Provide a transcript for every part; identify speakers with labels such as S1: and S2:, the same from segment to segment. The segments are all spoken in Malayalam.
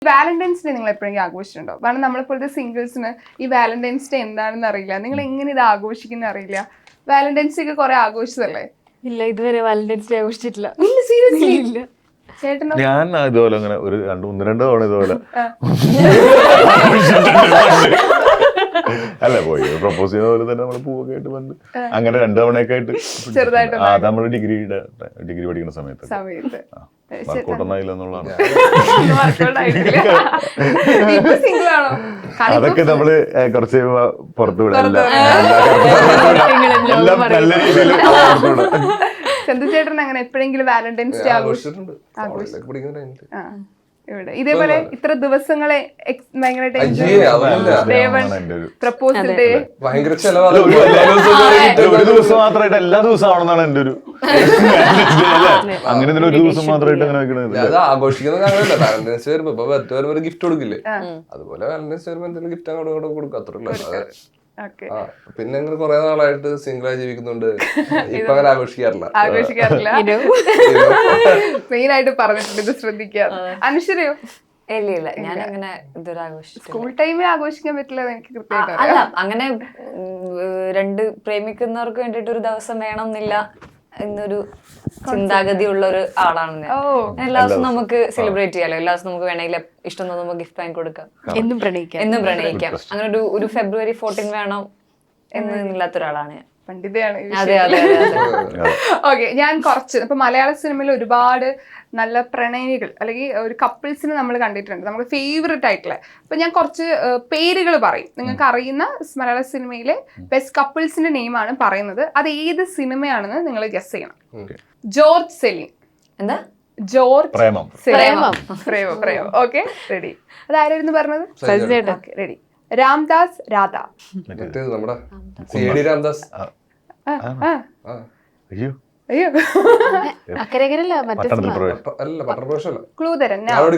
S1: വാലന്റൈൻസ് ഡേ നിങ്ങൾ എപ്പോഴെങ്കിലും ആഘോഷിച്ചിട്ടുണ്ടോ? കാരണം നമ്മളെപ്പോലത്തെ സിംഗിൾസിന് ഈ വാലന്റൈൻസ് ഡേ എന്താണെന്ന് അറിയില്ല, നിങ്ങൾ എങ്ങനെ ഇത് ആഘോഷിക്കുന്ന അറിയില്ല. വാലന്റൈൻസ് ഡേ ഒക്കെ കുറെ ആഘോഷിച്ചതല്ലേ?
S2: ഇല്ല, ഇതുവരെ വാലന്റൈൻസ് ഡേ ആഘോഷിച്ചിട്ടില്ല.
S1: സീരിയസ്ലി ഇല്ല.
S2: ചേട്ടനോ?
S3: ഞാൻ ഇതുപോലെ അങ്ങനെ ഒരു ഒന്ന് രണ്ട് തവണ ഇതുപോലെ അല്ല പോയി പ്രപ്പോസ് ചെയ്യുന്ന പോലെ തന്നെ നമ്മള് പൂവൊക്കെ ആയിട്ട് വന്ന് അങ്ങനെ 2 തവണയൊക്കെ ആയിട്ട്
S1: ചെറുതായിട്ട്
S3: നമ്മള് ഡിഗ്രി പഠിക്കുന്ന സമയത്ത് വർക്കൗട്ടൊന്നായില്ല എന്നുള്ളതാണ്. അതൊക്കെ നമ്മള് കുറച്ച് പുറത്തു വിടാം, എല്ലാം നല്ല രീതിയിൽ പുറത്തു വിടാം.
S1: ചന്ദ്രചേട്ടൻ അങ്ങനെ എപ്പോഴെങ്കിലും വാലന്റൈൻസ് ഡേ
S4: ആഘോഷിച്ചിട്ടുണ്ട്.
S1: ഇവിടെ ഇതേപോലെ ഇത്ര ദിവസങ്ങളെ ഭയങ്കരമായിട്ട് പ്രപ്പോസൽ ഡേ
S4: ഭയങ്കര ചെലവാണ്.
S3: ഒരു ദിവസം മാത്രമായിട്ട് എല്ലാ ദിവസവും ആവണമെന്നാണ് എന്റെ ഒരു അങ്ങനെ ഒരു ദിവസം മാത്രമായിട്ട് അങ്ങനെ വെക്കണത്.
S4: അത് ആഘോഷിക്കുന്നത് അങ്ങനെയല്ല. വാലന്റൈൻസ് വരുമ്പോ ഇപ്പൊ ബർത്ത് വരുമ്പോ ഒരു ഗിഫ്റ്റ് കൊടുക്കില്ലേ, അതുപോലെ വാലന്റൈൻസ് വരുമ്പോ എന്തെങ്കിലും ഗിഫ്റ്റ് അങ്ങോട്ട് കൊടുക്കും, അത്രയുള്ളൂ. പിന്നെ അങ്ങനെ കുറെ നാളായിട്ട് സിംഗിൾ ആയി ജീവിക്കുന്നുണ്ട്. ഇപ്പൊ അങ്ങനെ ആഘോഷിക്കാറില്ല.
S1: മെയിൻ ആയിട്ട് പറഞ്ഞിട്ടുണ്ട് ഇത് ശ്രദ്ധിക്കാറ്. അനുശ്വരയോ?
S2: ഇല്ല, ഞാൻ അങ്ങനെ ഇതുവരെ ആഘോഷിച്ചു.
S1: സ്കൂൾ ടൈമിൽ ആഘോഷിക്കാൻ പറ്റില്ല എനിക്ക് കൃത്യമായിട്ട്.
S2: അല്ല, അങ്ങനെ രണ്ട് പ്രേമിക്കുന്നവർക്ക് വേണ്ടിട്ട് ഒരു ദിവസം വേണം എന്നില്ല എന്നൊരു ചിന്താഗതി ഉള്ള ഒരു ആളാണ് ഞാൻ. എല്ലാ ദിവസവും നമുക്ക് സെലിബ്രേറ്റ് ചെയ്യാലോ, എല്ലാ ദിവസവും നമുക്ക് വേണമെങ്കിൽ ഇഷ്ടം തോന്നുമ്പോൾ ഗിഫ്റ്റ് വാങ്ങി കൊടുക്കാം, എന്നും പ്രണയിക്കാം. അങ്ങനെ ഒരു ഫെബ്രുവരി 14 വേണം എന്നില്ലാത്ത ഒരാളാണ് ഞാൻ.
S1: പണ്ഡിതയാണ്.
S2: അതെ അതെ
S1: ഓക്കെ, ഞാൻ കുറച്ച് ഇപ്പൊ മലയാള സിനിമയിൽ ഒരുപാട് നല്ല പ്രണയിനികൾ അല്ലെങ്കിൽ ഒരു കപ്പിൾസിനെ നമ്മൾ കണ്ടിട്ടുണ്ട്, നമ്മുടെ ഫേവറേറ്റ് ആയിട്ടുള്ള. അപ്പൊ ഞാൻ കുറച്ച് പേരുകൾ പറയും, നിങ്ങൾക്ക് അറിയുന്ന മലയാള സിനിമയിലെ ബെസ്റ്റ് കപ്പിൾസിന്റെ നെയിമാണ് പറയുന്നത്. അത് ഏത് സിനിമയാണെന്ന് നിങ്ങൾ ഗസ് ചെയ്യണം. George Celine.
S2: എന്താ?
S1: ജോർജ്
S3: പ്രേമം.
S1: Okay, ready. അതാരായിരുന്നു പറഞ്ഞത്? റെഡി. രാംദാസ് രാധ.
S4: നമ്മുടെ സിഐഡി രാംദാസ്.
S3: അയ്യോ
S1: അയ്യോ,
S2: അക്കരകരല്ല,
S4: അല്ല പട്ടണപ്രവേശമല്ല.
S1: ക്ലൂ തരാം.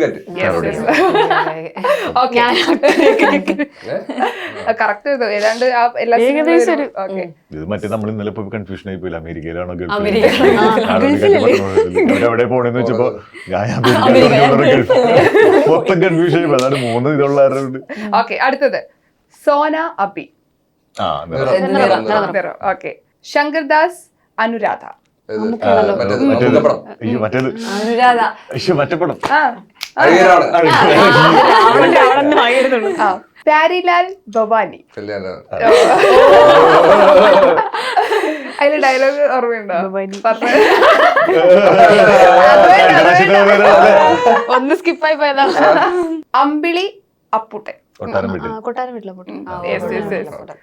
S1: കറക്റ്റ് ഏതാണ്ട് എല്ലാ
S3: ഇത് മറ്റേ നമ്മൾ ഇന്നലെ ഇപ്പൊ കൺഫ്യൂഷൻ ആയി പോയില്ല, അമേരിക്കയിലാണോ എവിടെ പോണെന്ന് വെച്ചപ്പോ മൊത്തം കൺഫ്യൂഷൻ ആയി. അതാണ് 3 ഇതുള്ളവരുണ്ട്.
S1: ഓക്കെ, അടുത്തത് സോന അബി. ഓക്കെ, ശങ്കർദാസ് അനുരാധ.
S3: മറ്റേത് മറ്റപ്പടം
S1: പ്യാരിലാൽ ഭവാനി. അതിലെ ഡയലോഗ് ഓർമ്മയുണ്ടോ?
S2: ഒന്ന് സ്കിപ്പായി പോയതാ.
S1: അമ്പിളി അപ്പുട്ടൻ.
S3: കൊട്ടാരം വീട്ടിൽ
S2: കൊട്ടാരം വീട്ടിലെ